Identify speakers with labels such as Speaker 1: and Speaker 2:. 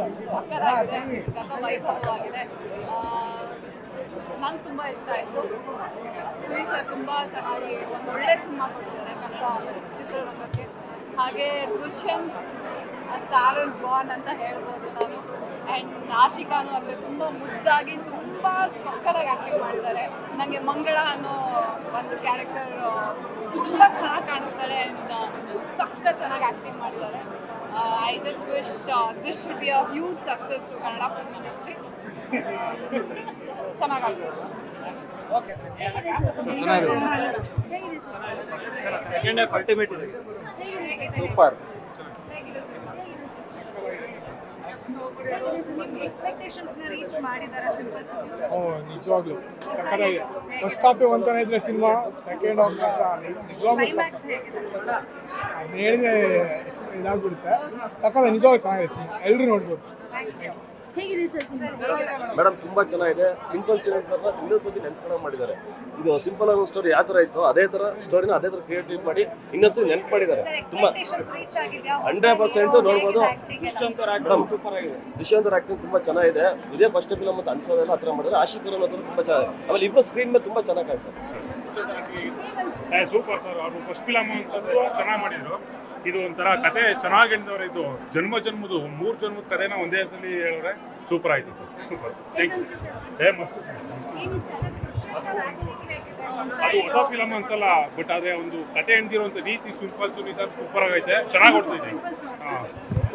Speaker 1: ಸಕ್ಕತ್ತಾಗಿದೆ, ವೈಭವವಾಗಿದೆ. ನಂಗೆ ತುಂಬ ಇಷ್ಟ ಆಯಿತು. ಸುನಿ ಸರ್ ತುಂಬ ಚೆನ್ನಾಗಿ ಒಂದು ಒಳ್ಳೆ ಸಿನಿಮಾ ಕೊಟ್ಟಿದ್ದಾರೆ ಕನ್ನಡ ಚಿತ್ರರಂಗಕ್ಕೆ. ಹಾಗೆ ದುಷ್ಯಂತ್ ಸ್ಟಾರ್ ಇಸ್ ಬಾರ್ನ್ ಅಂತ ಹೇಳ್ಬೋದು ನಾನು. ಆ್ಯಂಡ್ ಆಶಿಕಾನು ಅಷ್ಟೇ ತುಂಬ ಮುದ್ದಾಗಿ ತುಂಬ ಸಕ್ಕತ್ತಾಗಿ ಆ್ಯಕ್ಟಿಂಗ್ ಮಾಡಿದ್ದಾರೆ. ನನಗೆ ಮಂಗಳ ಅನ್ನೋ ಒಂದು ಕ್ಯಾರೆಕ್ಟರ್ ತುಂಬ ಚೆನ್ನಾಗಿ ಕಾಣಿಸ್ತಾಳೆ ಆ್ಯಂಡ್ ಚೆನ್ನಾಗಿ ಆ್ಯಕ್ಟಿಂಗ್ ಮಾಡಿದ್ದಾರೆ. I just wish this should be a huge success to Kannada film industry. ಚೆನ್ನಾಗಾಗ್ತದೆ.
Speaker 2: ಸೂಪರ್.
Speaker 3: ನಿಜವಾಗ್ಲು ಸಕ್ಕತ್ತಾಗಿ ಫಸ್ಟ್ ಹಾಫ್ ಒಂಥರ ಇದ್ರೆ ಸಿನಿಮಾ, ಸೆಕೆಂಡ್ ಹಾಫ್ ನಿಜವಾಗ್ಲೂ ಹೇಳಿದ್ರೆ ಇದಾಗ್ಬಿಡುತ್ತೆ. ಸಕ್ಕತ್ತಾಗಿ ನಿಜವಾಗ್ಲೂ ಚೆನ್ನಾಗಿದೆ ಸಿನಿಮಾ, ಎಲ್ಲರೂ ನೋಡ್ಬೋದು.
Speaker 4: ಮೇಡಮ್ ತುಂಬಾ ಚೆನ್ನಾಗಿದೆ. ಸಿಂಪಲ್ ಸೀರಿಯಲ್ಸ್ ಅನ್ನ ಇನ್ನೊಂದ್ಸತಿ ನೆನ್ಸ್ಕೊಂಡ್ ಮಾಡಿದ್ದಾರೆ. ಇದು ಸಿಂಪಲ್ ಆಗಿ ಸ್ಟೋರಿ ಯಾವ ತರ ಇತ್ತು ಅದೇ ತರ ಸ್ಟೋರಿನ ಅದೇ ತರ ಕ್ರಿಯೇಟಿವ್ ಮಾಡಿ ಇನ್ನೊಂದ್ಸತಿ ನೆನ್ಪು ಮಾಡಿದ್ದಾರೆ. ತುಂಬಾ 100% ನೋಡ್ಬೋದು. ದುಷ್ಯಂತ್ ಅವ್ರ ಆಕ್ಟಿಂಗ್ ತುಂಬಾ ಚೆನ್ನಾಗಿದೆ. ಇದೇ ಫಸ್ಟ್ ಫಿಲಮ್ ಅಂತ ಅನ್ಸೋದೆಲ್ಲ ಹತ್ರ ಮಾಡಿದ್ರೆ ಆಶಿಕರ್ ಅನ್ನೋದು ತುಂಬಾ ಚೆನ್ನಾಗಿದೆ. ಆಮೇಲೆ ಇಬ್ರು ಸ್ಕ್ರೀನ್ ಮೇಲೆ ತುಂಬಾ ಚೆನ್ನಾಗಿ ಕಾಣ್ತಾರೆ.
Speaker 5: Super sir. ಅವ್ರು ಫಸ್ಟ್ ಫಿಲಮ್ ಚೆನ್ನಾಗಿ ಮಾಡಿದ್ರು. ಇದು ಒಂಥರ ಕತೆ ಚೆನ್ನಾಗಿ ಹೇಳಿದವ್ರೆ. ಇದು ಜನ್ಮದ 3 ಜನ್ಮದ ಕಥೆನ ಒಂದೇ ಸಲ ಹೇಳಿದ್ರೆ ಸೂಪರ್ ಆಯ್ತು ಸರ್. ಸೂಪರ್. ಮಸ್ತ್ ಸರ್. ಅದು ಹೊಸ ಫಿಲಮ್ ಅನ್ಸಲ್ಲ, ಬಟ್ ಅದೇ ಒಂದು ಕತೆ ಎಂದಿರುವಂತ ರೀತಿ ಸಿಂಪಲ್ ಸುನಿ ಸರ್ ಸೂಪರ್ ಆಗೈತೆ. ಚೆನ್ನಾಗಿ ಹೊಡ್ತಿದೆ.